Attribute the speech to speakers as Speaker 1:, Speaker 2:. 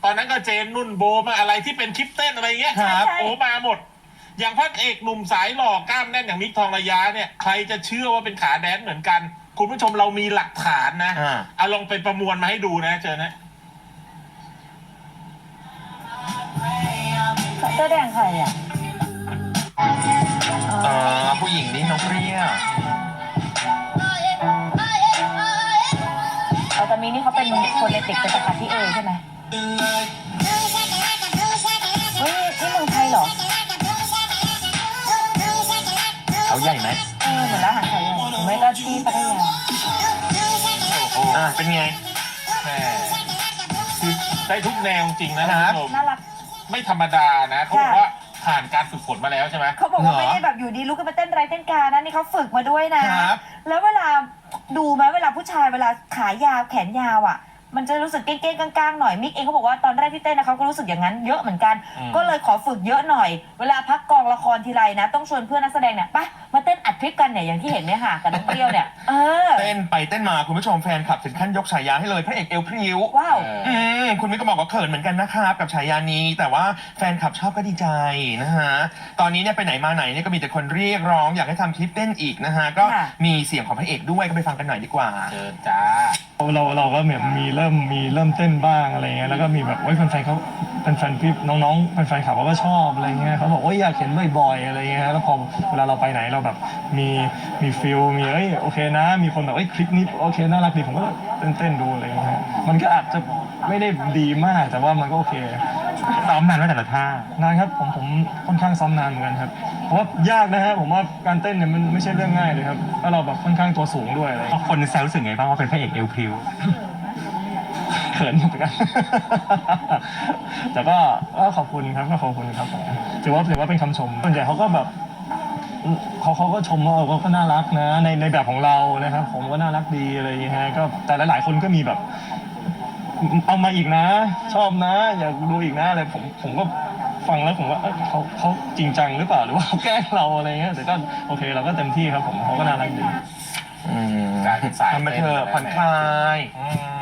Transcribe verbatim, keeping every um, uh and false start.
Speaker 1: ตอนนั้นก็เจนนุ่นโบมาอะไรที่เป็นคลิปเต้นอะไรเงี้ย
Speaker 2: ครับ
Speaker 1: โอ้มาหมด อย่างพระเอกหนุ่มสายหล่อกล้ามแน่นอย่างมิกทองระยะเนี่ยใครจะเชื่อว่าเป็นขาแดนเหมือนกัน คุณผู้ชมเรามีหลักฐานนะ
Speaker 2: อ่า
Speaker 1: เอาลองไปประมวลมาให้ดูนะเจอนะ
Speaker 3: เสื้อแดงใครอ่ะ
Speaker 2: เออผู้หญิงนี่น้องเปรี้ยว
Speaker 3: เอาตอนนี้นี่เขาเป็นคนในติดเป็นสกัดที่เอใช่ไหมเฮ้ยนี่เมืองไทยเหรอ
Speaker 2: เขาใหญ่ไหม
Speaker 3: เออเหมือนร้านอาหารไทยเลยหรือไม่ก็ที่พัทยา
Speaker 2: อ่าเป็นไง
Speaker 1: แหมคือได้ทุกแนวจริงนะคุณผู้ชม
Speaker 3: น่ารัก
Speaker 1: ไม่ธรรมดานะเขาบอกว่าผ่านการฝึกฝนมาแล้วใช่ไหม
Speaker 3: เขาบอกว่า
Speaker 2: เหรอ
Speaker 3: ไม่ได้แบบอยู่ดีลุกขึ้นมาเต้นไรเต้นกานะนี่เขาฝึกมาด้วยนะ
Speaker 2: ครับ
Speaker 3: แล้วเวลาดูไหมเวลาผู้ชายเวลาขายาวแขนยาวอ่ะ มันจะรู้สึกเก้งๆก้างๆหน่อยมิกเองเขาบอกว่าตอนแรกที่เต้นนะเขาก็รู้สึกอย่างนั้นเยอะเหมือนกัน ก็เลยขอฝึกเยอะหน่อย เวลาพักกองละครทีไรนะ ต้องชวนเพื่อนนักแสดงเนี่ยไปมาเต้นอัดคลิปกันเนี่ยอย่างที่เห็นเนี่ยค่ะกับน้องเปรี้ยวเนี่ยเออ
Speaker 2: เต้นไปเต้นมาคุณผู้ชมแฟนคลับถึงขั้นยกฉายาให้เลยพระเอกเอวพริ้ว
Speaker 3: ว้าว
Speaker 2: อืมคุณมิกก็บอกว่าเขินเหมือนกันนะครับกับฉายานี้แต่ว่าแฟนคลับชอบก็ดีใจนะฮะตอนนี้เนี่ยไปไหนมาไหนเนี่ยก็มีแต่คนเรียกร้องอยากให้ทำคลิปเต้นอีกนะฮะก็
Speaker 3: ค่ะ
Speaker 2: มีเสียงของพระเอกด้วยก็ไปฟังกันหน่อยดีกว่า
Speaker 1: เจอจ้า
Speaker 4: เราเราก็แบบมีเริ่มมีเริ่มเต้นบ้างอะไรเงี้ยแล้วก็มีแบบโอ้ยแฟนๆเขาแฟนๆพี่น้องๆแฟนๆขับเขาก็ชอบอะไรเงี้ยเขาบอกโอ้ยอยากเห็นบ่อยๆอะไรเงี้ยแล้วพอเวลาเราไปไหนเราแบบมีมีฟิลมีเอ้ยโอเคนะ มีคนแบบเอ้ยคลิปนี้โอเคน่ารักดีผมก็เต้นเต้นๆดูอะไรเงี้ยมันก็อาจจะไม่ได้ดีมากแต่ว่ามันก็โอเค
Speaker 2: ซ้อมนานว่าแต่ละท่าน
Speaker 4: านครับผมผมค่อนข้างซ้อมนานเหมือนกันครับเพราะว่ายากนะฮะผมว่าการเต้นเนี่ยมันไม่ใช่เรื่องง่ายเลยครับแล้วเราแบบค่อนข้างตัวสูงด้วยอะไร
Speaker 2: คนแซวรู้สึกไงบ้างว่าเป็นพระเอกเอวพริ้ว
Speaker 4: เขินเหมือนกัน แต่ก็ก็ขอบคุณครับก็ขอบคุณครับผมถือว่าถือว่าเป็นคำชมส่วนใหญ่เขาก็แบบเขาเขาก็ชมว่าเออก็น่ารักนะในในแบบของเรานะครับผมก็น่ารักดีอะไรอย่างเงี้ยฮะก็แต่หลายๆคนก็มีแบบ เอามาอีกนะ ชอบนะ อยากดูอีกนะอะไรผมผมก็ฟังแล้วผมว่าเอ้ยเขาเขาจริงจังหรือเปล่าหรือว่าเขาแกล้งเราอะไรเงี้ยแต่ก็โอเคเราก็เต็มที่ครับผมเขาก็น่ารักดี
Speaker 2: อืม
Speaker 1: กลายเป็นสาย
Speaker 2: ทำมาเถอะ
Speaker 1: เต้นไปแล้ว
Speaker 2: ผ่อนคลาย
Speaker 1: อืม